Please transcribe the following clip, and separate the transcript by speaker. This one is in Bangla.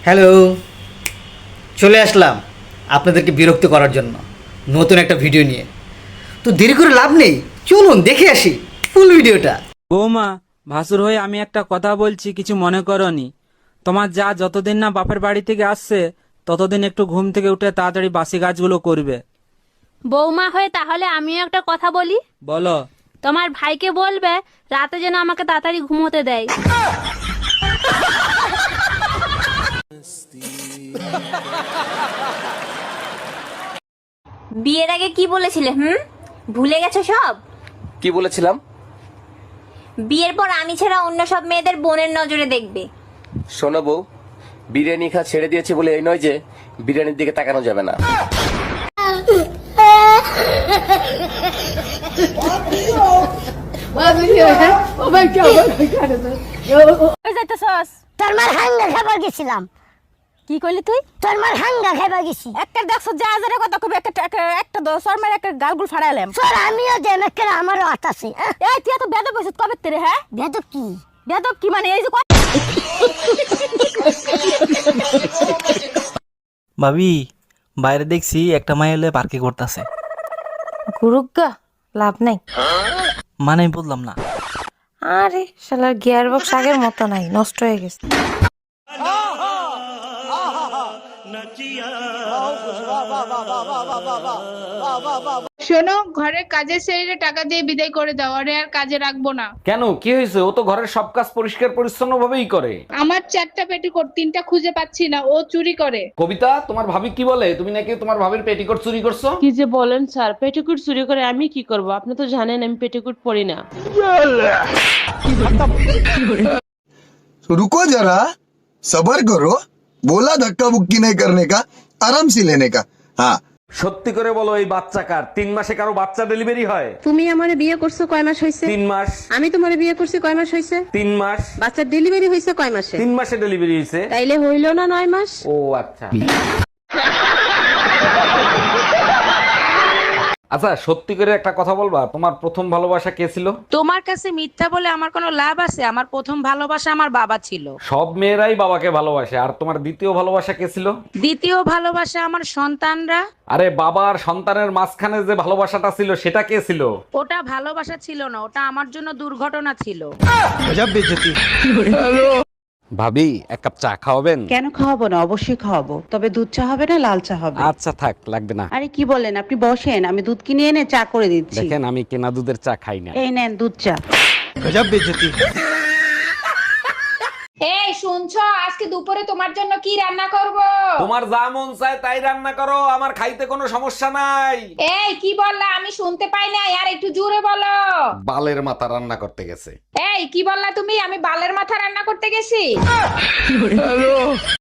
Speaker 1: হ্যালো, চলে আসলাম আপনাদেরকে বিরক্ত করার জন্য নতুন একটা ভিডিও নিয়ে। তো দেরি করে লাভ নেই, চলুন দেখে আসি ফুল ভিডিওটা।
Speaker 2: বৌমা, ভাসুর হয়ে আমি একটা কথা বলছি, কিছু মনে করনি। তোমার যা যতদিন না বাপের বাড়ি থেকে আসছে ততদিন একটু ঘুম থেকে উঠে তাড়াতাড়ি বাসি কাজগুলো করবে।
Speaker 3: বৌমা হয়ে তাহলে আমিও একটা কথা বলি।
Speaker 2: বলো।
Speaker 3: তোমার ভাইকে বলবে রাতে যেন আমাকে তাড়াতাড়ি ঘুমোতে দেয়।
Speaker 4: বিয়ের আগে কি বলেছিলে? ভুলে গেছো সব?
Speaker 5: কি বলেছিলাম?
Speaker 4: বিয়ের পর আমি ছাড়া অন্য সব মেয়েদের বোনের নজরে দেখবে।
Speaker 5: শোনো বউ, বিরিয়ানি খা ছেড়ে দিয়েছে বলে এই নয় যে বিরিয়ানির দিকে তাকানো যাবে না।
Speaker 6: তোর মার হাঙ্গা খাবার গেছিলাম।
Speaker 3: কি কইলি তুই?
Speaker 6: তোর মার হাঙ্গা খাবার গেছি।
Speaker 3: একটা দেখছো যা আজারে কথা কবে একটা দশর মেরে একটা গালগুল ফাড়াইলাম।
Speaker 6: তোর আমিও যে মেকের আমারও হাত আছে।
Speaker 3: এই তুই এত বেদব হইছিস কবে তেরে? হ্যাঁ
Speaker 6: বেদব কি?
Speaker 3: বেদব কি মানে এই যে
Speaker 7: ভাবি, বাইরে দেখছি একটা মাই এলে পার্কে করতেছে।
Speaker 8: গুরুগা লাভ নাই।
Speaker 7: মানে আমি বললাম না।
Speaker 8: আরে শালার গিয়ার বক্স আগের মতো নাই, নষ্ট হয়ে গেছে।
Speaker 9: শোনো, ঘরের কাজের ছেড়ে টাকা দিয়ে বিদায় করে দাও, আরে আর কাজে রাখবো না।
Speaker 10: কেন, কি হয়েছে? ও তো ঘরের সব কাজ পরিষ্কার পরিচ্ছন্ন ভাবেই করে।
Speaker 9: আমার 4টা পেটিকোট, 3টা খুঁজে পাচ্ছি না, ও চুরি করে।
Speaker 10: কবিতা, তোমার ভাবি কি বলে? তুমি নাকি তোমার ভাবির পেটিকোট চুরি করছো?
Speaker 11: কি যে বলেন স্যার, পেটিকুট চুরি করে আমি কি করব? আপনি তো জানেন আমি পেটিকুট পরি না।
Speaker 12: रुको जरा, सबर करो। बोला धक्का बुक्की नहीं करने का, आराम से लेने का। हाँ,
Speaker 10: সত্যি করে বলো, এই বাচ্চা কার? 3 মাসে কারো বাচ্চা ডেলিভারি হয়?
Speaker 11: তুমি আমারে বিয়ে করছো কয় মাস হইছে?
Speaker 10: 3 মাস।
Speaker 11: আমি তোমারে বিয়ে করছি কয় মাস হইছে?
Speaker 10: 3 মাস।
Speaker 11: বাচ্চার ডেলিভারি হইছে কয় মাসে?
Speaker 10: 3 মাসে ডেলিভারি হয়েছে।
Speaker 11: তাইলে হইল না 9 মাস?
Speaker 10: ও আচ্ছা। আচ্ছা, সত্যি করে একটা কথা বলবা, তোমার প্রথম ভালোবাসা কে ছিল?
Speaker 11: তোমার কাছে মিথ্যা বলে আমার কোনো লাভ আছে? আমার প্রথম ভালোবাসা আমার বাবা ছিল।
Speaker 10: সব মেয়েরাই বাবাকে ভালোবাসে। আর তোমার দ্বিতীয় ভালোবাসা কে ছিল?
Speaker 11: দ্বিতীয় ভালোবাসা আমার সন্তানরা।
Speaker 10: আরে বাবা আর সন্তানের মাঝখানে যে ভালোবাসাটা ছিল সেটা কে ছিল?
Speaker 11: ওটা ভালোবাসা ছিল না, ওটা আমার জন্য দুর্ঘটনা ছিল।
Speaker 10: ভাবি, এক কাপ চা খাওয়াবেন?
Speaker 11: কেন খাওয়াবো না? অবশ্যই খাওয়াবো, তবে দুধ চা হবে না লাল চা হবে।
Speaker 10: আচ্ছা থাক, লাগবে না।
Speaker 11: আরে কি বলেন আপনি? বসেন, আমি দুধ কিনে এনে চা করে দিচ্ছি।
Speaker 10: দেখেন, আমি কেনা দুধের চা খাই না।
Speaker 11: এই নেন দুধ চা।
Speaker 9: এই শুনছো, আজকে দুপুরে তোমার জন্য কি রান্না করব?
Speaker 10: তোমার যা মন চায় তাই রান্না করো, আমার খাইতে কোনো সমস্যা নাই।
Speaker 9: এই কি বললা? আমি শুনতে পাই না, আর একটু জোরে বলো।
Speaker 10: বালের মাথা রান্না করতে গেছে।
Speaker 9: এই কি বললা তুমি? আমি বালের মাথা রান্না করতে গেছি?